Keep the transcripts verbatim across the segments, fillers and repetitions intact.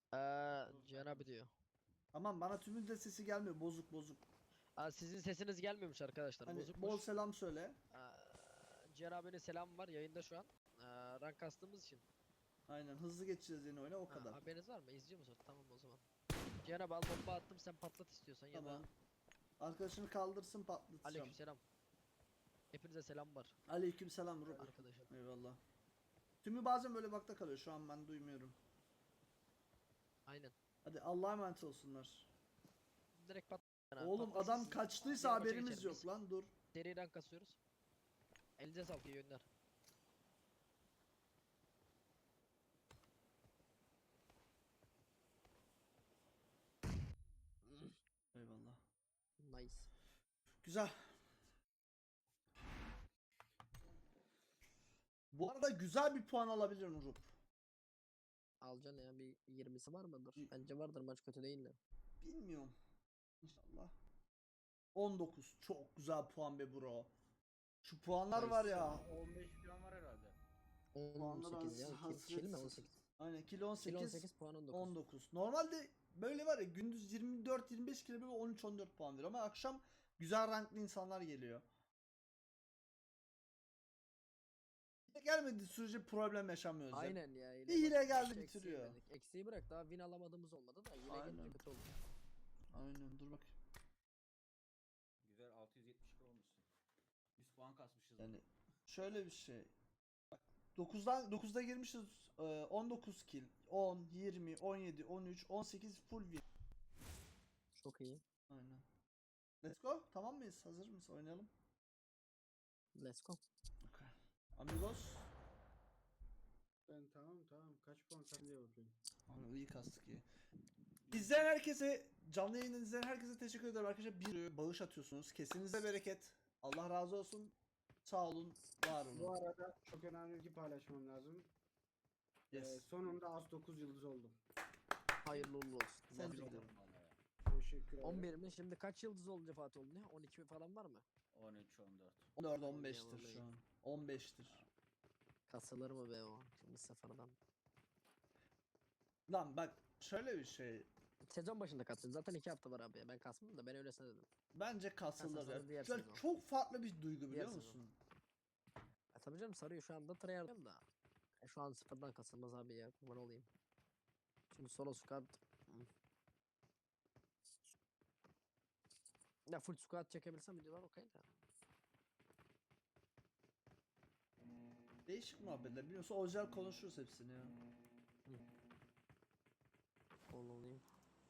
Eee Cihan abi diyor. Tamam, bana tümün de sesi gelmiyor, bozuk bozuk. Aa, sizin sesiniz gelmiyormuş arkadaşlar. Hani Bozukmuş. bol selam söyle. Eee Cihan abinin selam var yayında şu an. Eee rank kastığımız için. Aynen, hızlı geçeceğiz yeni oyuna, o Ha, kadar. haberiniz var mı? İzliyor musun? Tamam o zaman. Cihan abi al bomba attım sen patlat istiyorsan ya Tamam. da Arkadaşını kaldırsın, patlatacağım. aleykümselam. Hepinize selam var Aleykümselam Rubi. arkadaşlar. Eyvallah. Tümü bazen böyle bakta kalıyor, şu an ben duymuyorum. Aynen. Hadi Allah'a emanet olsunlar. Direkt pat. Cihan abi, Oğlum patlasın adam siz- kaçtıysa diğer maça haberimiz geçelim yok biz. lan, dur. Seri rank kasıyoruz. Elinize sağlık, iyi günler. Eyvallah. Nice. Güzel. Bu arada güzel bir puan alabilirim Rup. Alacaksın ya, bir yirmisi var mıdır? Y- Bence vardır, maç kötü değil de. Bilmiyorum. İnşallah. on dokuz. Çok güzel puan be bro. Şu puanlar var ya. on beş falan var herhalde. Puanlar on sekiz ya. hasret- Kil, kil mi? on sekiz. Aynen, kilo Kil on on sekiz. sekiz puan on dokuz. on dokuz. Normalde böyle var ya, gündüz yirmi dört yirmi beş kilo böyle on üç on dört puan veriyor ama akşam güzel ranklı insanlar geliyor. Hile gelmediği sürece problem yaşamıyoruz. ya. Aynen ya. Bir hile bak, geldi, hiç eksiği bitiriyor. yemedik. Eksiği bırak, daha win alamadığımız olmadı da hile Aynen. gelince kötü oldu. Aynen, dur bak. Güzel altı yüz yetmiş iki olmuşsun. yüz puan kasmışız. Yani şöyle bir şey. Bak, dokuzdan dokuzda girmişiz, e, on dokuz kill, on, yirmi, on yedi, on üç, on sekiz full win. Çok iyi. Aynen. Let's go. Tamam mıyız? Hazır mıyız? Oynayalım. Let's go. Okay. Amigos. Ben tamam tamam kaç puan sen diye bakıyorum. Abi iyi kastık iyi. İzleyen herkese, canlı yayını izleyen herkese teşekkür ederim arkadaşlar. Bir bağış atıyorsunuz. Kesinize bereket. Allah razı olsun. Sağ olun, var Bu olun. arada çok önemli bir şey paylaşmam lazım. Ee, Yes. sonunda az dokuz yıldız oldum. Hayırlı uğurlu olsun. Sen Tebrik de. ederim. Teşekkür ederim. on bir mi? Şimdi kaç yıldız olunca Fatih oldu ne? on iki falan var mı? on üç on dört. on dört on beştir şu an. on beştir. Kasılır mı be o? Şimdi sıfırdan. Lan bak, şöyle bir şey. Sezon başında kasılır. Zaten iki hafta var abi ya. Ben kasmadım da ben öylesine dedim. Bence kasılır Kasılır, ya. diğer Şöyle sezon. çok farklı bir duygu, biliyor Diğer sezon. musun? Ya tabii canım, sarıyor şu anda tryhard'ım da. E, şu an sıfırdan kasılmaz abi ya. Kurban olayım. Şimdi solo squad. Hmm. Ya full squad çekebilsem videolar okey de. Değişik muhabbetler. Biliyorsun, özel konuşuruz hepsini ya. Kurban olayım.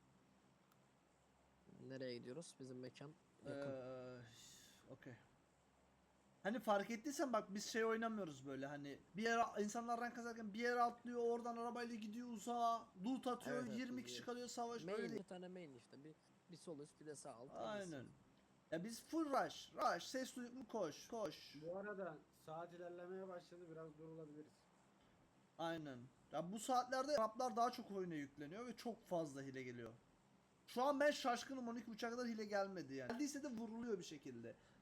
Nereye gidiyoruz? Bizim mekan yakın. Eee okey. Hani fark ettiysen bak, biz şey oynamıyoruz böyle, hani bir yere insanlar rank kazarken bir yere atlıyor, oradan arabayla gidiyor uzağa, loot atıyor, Evet, evet, yirmi biz kişi bir- kalıyor, savaş Main, böyle değil. bir tane main işte. Bir, bir sol üst bir de sağ alt. Aynen. Ya biz full rush, rush, ses duyduk mu koş, koş. Bu arada saat ilerlemeye başladı, biraz durulabiliriz. Aynen. Ya bu saatlerde Araplar daha çok oyuna yükleniyor ve çok fazla hile geliyor. Şu an ben şaşkınım, on iki buçuğa kadar hile gelmedi yani. Geldiyse de vuruluyor bir şekilde.